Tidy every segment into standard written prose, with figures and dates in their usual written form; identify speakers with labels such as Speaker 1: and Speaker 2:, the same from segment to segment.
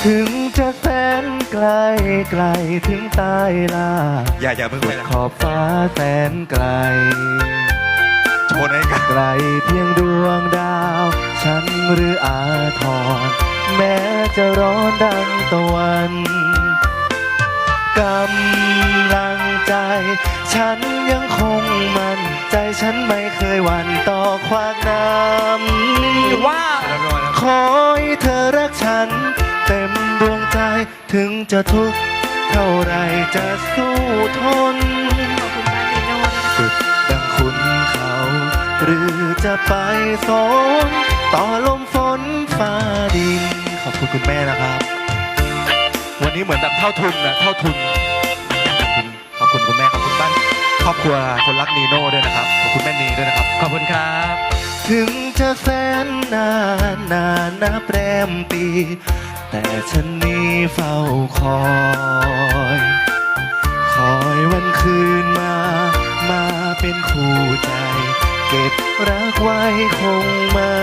Speaker 1: ถึงจะแสนไกลไกลถึงใต้ลา
Speaker 2: อย่าเพิ่งไปนะ
Speaker 1: ขอบฟ้าแสนไกล
Speaker 2: โชว์หน่อยกัน
Speaker 1: ไกลเพียงดวงดาว ฉันหรืออาทรแม้จะร้อนดังตะวันกำลังใจ ฉันยังคงมั่นใจฉันไม่เคยหวั่นต่อขวากน้ำ
Speaker 3: ว่า
Speaker 1: ขอให้เธอรักฉัน เต็มดวงใจถึงจะทุกข์เท่าไรจะสู้ทนสุดดังคุณเขา หรือจะไปสนต่อลมฝนฟ้าดินขอบคุณคุณแม่นะครับ วันนี้เหมือนแบบเท่าทุนนะเท่าทุนขอบคุณคุณแม่ขอบคุณบ้านครอบครัวคนรักนีโน่ด้วยนะครับขอบคุณแม่นีด้วยนะครับ
Speaker 3: ขอบคุณครับ
Speaker 1: ถึงจะแสนนานนานนับแรมปี แต่ฉันนี้เฝ้าคอย คอยวันคืนมาเป็นคู่ใจ เก็บรักไว้คงมัน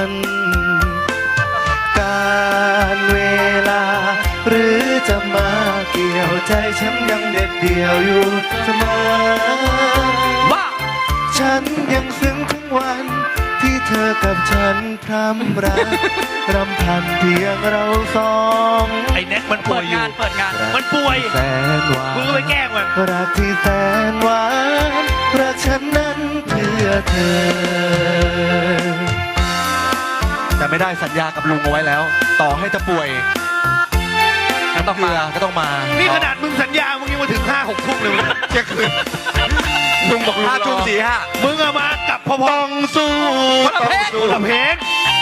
Speaker 1: การเวลา หรือจะมาเกี่ยวใจฉันยังเด็ดเดี่ยวอยู่เสมอ
Speaker 3: ว่า
Speaker 1: ฉันยังซึ้งถึงวันที่เธอกับฉันพร่ำรัก รำพันเพียงเราสอง
Speaker 4: ไอ้แน็กมันป่
Speaker 3: เปิ
Speaker 4: วย
Speaker 3: ด
Speaker 4: อยู่
Speaker 3: งานเปิดงาน
Speaker 4: มันป่วย
Speaker 1: แสนหวาน
Speaker 4: มึงก็ไปแกล้งมัน
Speaker 1: รักที่แสนหวานรักฉันนั้นเพื่อเธอ แต่ไม่ได้สัญญากับลุงเอาไว้แล้ว ต่อให้จะป่วย
Speaker 3: ก็ต้องมา
Speaker 1: ก็ต้องมา
Speaker 4: นี่ขนาดมึงสัญญา มึงยังมาถึง5-6 ทุ่มเลยเที่ยงคืน
Speaker 1: ลุงบอกลุง
Speaker 2: 5 ทุ่ม 45
Speaker 4: มึงอะมากับพอ
Speaker 1: ต้องสู้
Speaker 4: คนละเพลงคนละเพลง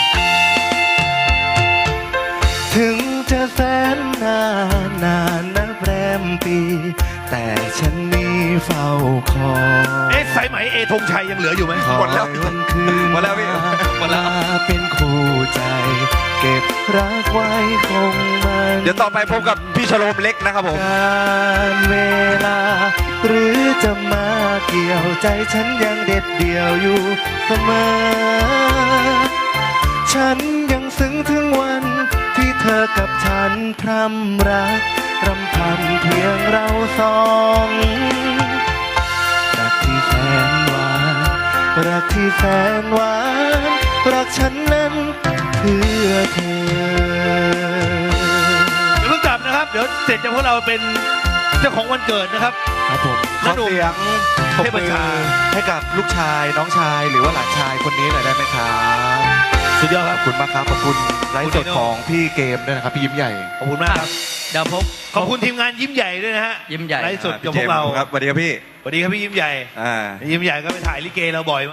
Speaker 1: ถึงจะแสนนานนานนับแรมปี แต่ฉันนี้เฝ้าคอย
Speaker 4: เอ๊ะสายไหมเอธงชัยยังเหลืออยู่ไหม
Speaker 2: หมดแล้ว
Speaker 1: คอยวันคืน
Speaker 2: หมดแล้วพี่หมดแล้ว
Speaker 1: มาเป็นคู่ใจ เก็บรักไว้คงมัน
Speaker 2: เดี๋ยวต่อไปพบกับพี่ชโลมเล็กนะครับผม
Speaker 1: การเวลา หรือจะมาเกี่ยวใจฉันยังเด็ดเดี่ยวอยู่เสมอ ฉันยังซึ้งถึงวันที่เธอกับฉันพร่ำรัก รำพันเพียงเราสองรักที่แสนหวานรักที่แสนหวานรักฉันนั้นเพื่อเธอ
Speaker 4: เดี๋ยวเพิ่งกลับนะครับ เดี๋ยวเสร็จจากพวกเราเป็นเจ้าของวันเกิดนะครับ
Speaker 1: ครับผมข
Speaker 4: น้า
Speaker 1: อ
Speaker 4: หนุ่ม
Speaker 1: เสียงปรบ
Speaker 4: เทพ
Speaker 1: มือ
Speaker 4: ชา
Speaker 1: ให้กับลูกชายน้องชายหรือว่าหลานชายคนนี้หน่อยได้ไหมครับ
Speaker 4: สุดยอดค
Speaker 1: ข
Speaker 4: รั
Speaker 1: อ
Speaker 4: บบ
Speaker 1: คุณมากครับขอบคุณไลฟ์สด
Speaker 4: คุณนิโน่
Speaker 1: ของพี่เกมด้วยนะครับพี่ยิ้มใหญ่
Speaker 4: ขอบคุณมากครับ
Speaker 3: เดี๋ยวพบ
Speaker 4: ขอบคุณทีมงานยิ้มใหญ่ด้วยนะฮะ
Speaker 3: ยิ้มใหญ่
Speaker 4: ไลฟ์สดกับพวกเรา
Speaker 2: ครับสวัสดีครับพี่
Speaker 4: สวัสดีครับพี่ยิ้มใหญ่
Speaker 2: อ่า
Speaker 4: ยิ้มใหญ่ก็ไปถ่ายลิเกเราบ่อย